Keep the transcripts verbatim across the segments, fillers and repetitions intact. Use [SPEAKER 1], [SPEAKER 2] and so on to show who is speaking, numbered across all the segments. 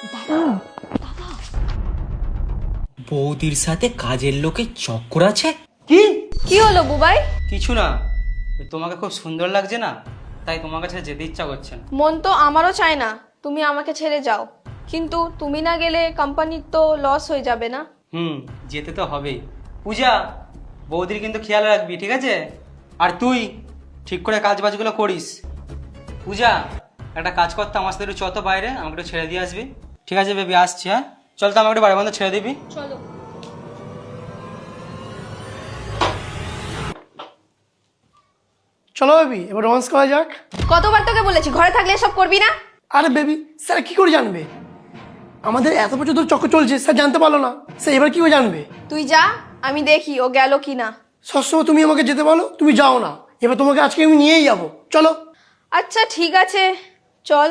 [SPEAKER 1] বৌদির সাথে কাজের লোকের চক্কর আছে।
[SPEAKER 2] কি
[SPEAKER 3] কি হলো বুবাই?
[SPEAKER 2] কিছু না, তোমাকে খুব সুন্দর লাগছে না, তাই তোমার কাছে যেতে ইচ্ছা করছে না।
[SPEAKER 3] মন তো আমারও চায় না তুমি আমাকে ছেড়ে যাও, কিন্তু তুমি না গেলে কোম্পানির তো লস হয়ে যাবে না?
[SPEAKER 2] হুম, যেতে তো হবেই। পূজা, বৌদির কিন্তু খেয়াল রাখবি, ঠিক আছে? আর তুই ঠিক করে কাজ বাজগুলো করিস। পূজা, একটা কাজ করতে আমার সাথে একটু চত বাইরে, আমাকে একটু ছেড়ে দিয়ে আসবি। ঠিক আছে বেবি, আসছি। হ্যাঁ চল, তো আমাকে একটু বাড়ি বন্ধ ছেড়ে দিবি।
[SPEAKER 3] চলো।
[SPEAKER 4] চলো বেবি, এবার রোমান্স করা যাক।
[SPEAKER 3] কতবার তোকে বলেছি ঘরে থাকলে এসব করবি না?
[SPEAKER 4] আরে বেবি, স্যার কি করে জানবে? আমাদের এত বছর ধরে চক্কর চলছে, স্যার জানতে পারলো না, স্যার এবার কি করে জানবে?
[SPEAKER 3] তুই যা, আমি দেখি ও গেল কি না।
[SPEAKER 4] সবসময় তুমি আমাকে যেতে বলো, তুমি যাও না। এবার তোমাকে আজকে আমি নিয়েই যাবো, চলো।
[SPEAKER 3] আচ্ছা ঠিক আছে, চল।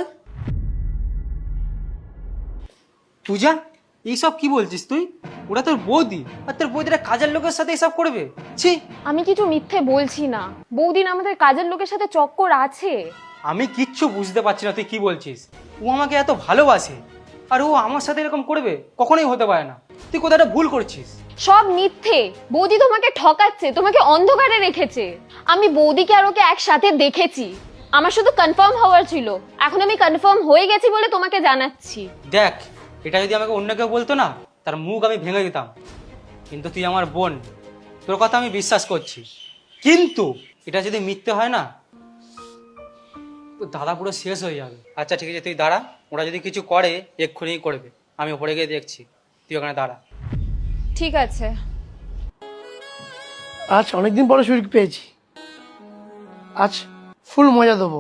[SPEAKER 2] পূজা, এইসব কি বলছিস তুই? ওরা তোর বৌদি, আর তোর বৌদিরা কাজের লোকের সাথে এসব করবে? ছি!
[SPEAKER 5] আমি কিছু মিথ্যে বলছি না, বৌদিন আমাদের কাজের লোকের সাথে চক্কর আছে।
[SPEAKER 2] আমি কিচ্ছু বুঝতে পারছি না তুই কি বলছিস। ও আমাকে এত ভালোবাসে, আর ও আমার সাথে এরকম করবে? কখনোই হতে পারে না। তুই কোথাটা ভুল করছিস।
[SPEAKER 5] সব মিথ্যে, বৌদি তোমাকে ঠকাচ্ছে, তোমাকে অন্ধকারে রেখেছে। আমি বৌদিকে আর ওকে একসাথে দেখেছি, আমার শুধু কনফার্ম হওয়ার ছিল, এখন আমি কনফার্ম হয়ে গেছি বলে তোমাকে জানাচ্ছি।
[SPEAKER 2] দেখ, এটা যদি আমাকে অন্য কেউ বলতো না, তার মুখ আমি ভেঙে দিতাম। কিন্তু তুই আমার বোন, তোর কথা আমি বিশ্বাস করছি। কিন্তু এটা যদি মিথ্যে হয় না, তো দাদা পুরো শেষ হয়ে যাবে। আচ্ছা ঠিক আছে, তুই দাঁড়া। ওরা যদি কিছু করে এক্ষুনি করবে, আমি ওপরে গিয়ে দেখছি। তুই ওখানে দাঁড়া।
[SPEAKER 3] ঠিক আছে।
[SPEAKER 4] আজ অনেকদিন পরে সুযোগ পেয়েছি, আজ ফুল মজা দেবো।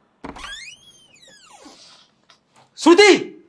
[SPEAKER 2] শ্রুতি!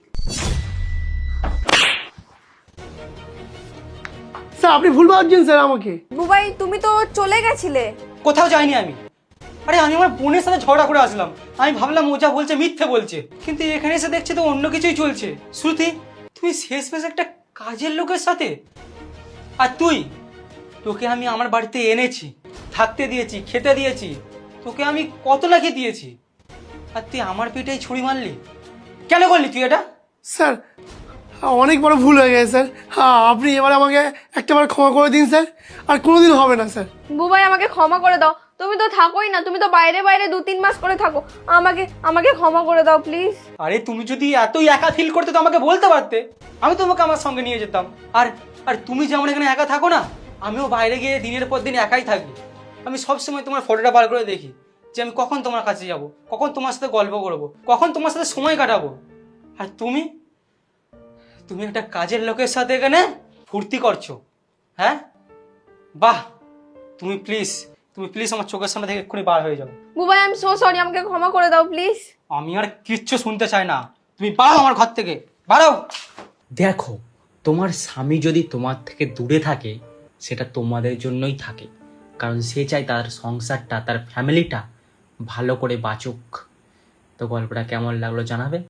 [SPEAKER 4] স্যার আপনি ভুল ভাবছেন স্যার আমাকে।
[SPEAKER 3] বুবাই তুমি তো চলে গেছিলে।
[SPEAKER 2] কোথাও যাইনি আমি। আরে আমি আমার বোনের সাথে ঝগড়া করে আসলাম, আমি ভাবলাম ও যা বলছে মিথ্যে বলছে, কিন্তু এখানে এসে দেখছি তো অন্য কিছুই চলছে। শ্রুতি, তুই শেষ মেশ একটা কাজের লোকের সাথে। আর তুই, তোকে আমি আমার বাড়িতে এনেছি, থাকতে দিয়েছি, খেতে দিয়েছি, তোকে আমি কত নাকি দিয়েছি, আর তুই আমার পেটেই ছুরি মারলি? কেন করলি তুই এটা?
[SPEAKER 4] স্যার অনেক বড় ভুল হয়ে গেছে স্যার, হ্যাঁ আপনি এবার আমাকে একটাবার ক্ষমা করে দিন স্যার, আর কোনোদিন হবে না স্যার।
[SPEAKER 3] বুবাই আমাকে ক্ষমা করে দাও, তুমি তো থাকোই না, তুমি তো বাইরে বাইরে দু তিন মাস করে থাকো। আমাকে আমাকে ক্ষমা করে দাও প্লিজ।
[SPEAKER 2] আরে তুমি যদি এতই একা ফিল করতে তো আমাকে বলতে পারতে, আমি তোমাকে আমার সঙ্গে নিয়ে যেতাম। আর আর তুমি যেমন এখানে একা থাকো না, আমিও বাইরে গিয়ে দিনের পর দিন একাই থাকি। আমি সবসময় তোমার ফটোটা বার করে দেখি যে আমি কখন তোমার কাছে যাব, কখন তোমার সাথে গল্প করবো, কখন তোমার সাথে সময় কাটাবো। আর তুমি তুমি একটা কাজের লোকের সাথে এখানে ফুর্তি করছো। হ্যাঁ, বাহ! তুমি প্লিজ তুমি প্লিজ আমার চোখের সামনে থেকে এক্ষুনি বার হয়ে যাও।
[SPEAKER 3] Bubai I am so sorry, আমাকে ক্ষমা করে দাও প্লিজ।
[SPEAKER 2] আমি আর কিচ্ছু শুনতে চাই না, তুমি বাড়াও আমার ঘর থেকে, বাড়াও।
[SPEAKER 1] দেখো, তোমার স্বামী যদি তোমার থেকে দূরে থাকে, সেটা তোমাদের জন্যই থাকে, কারণ সে চায় তার সংসারটা, তার ফ্যামিলিটা ভালো করে বাঁচুক। তো গল্পটা কেমন লাগলো জানাবে।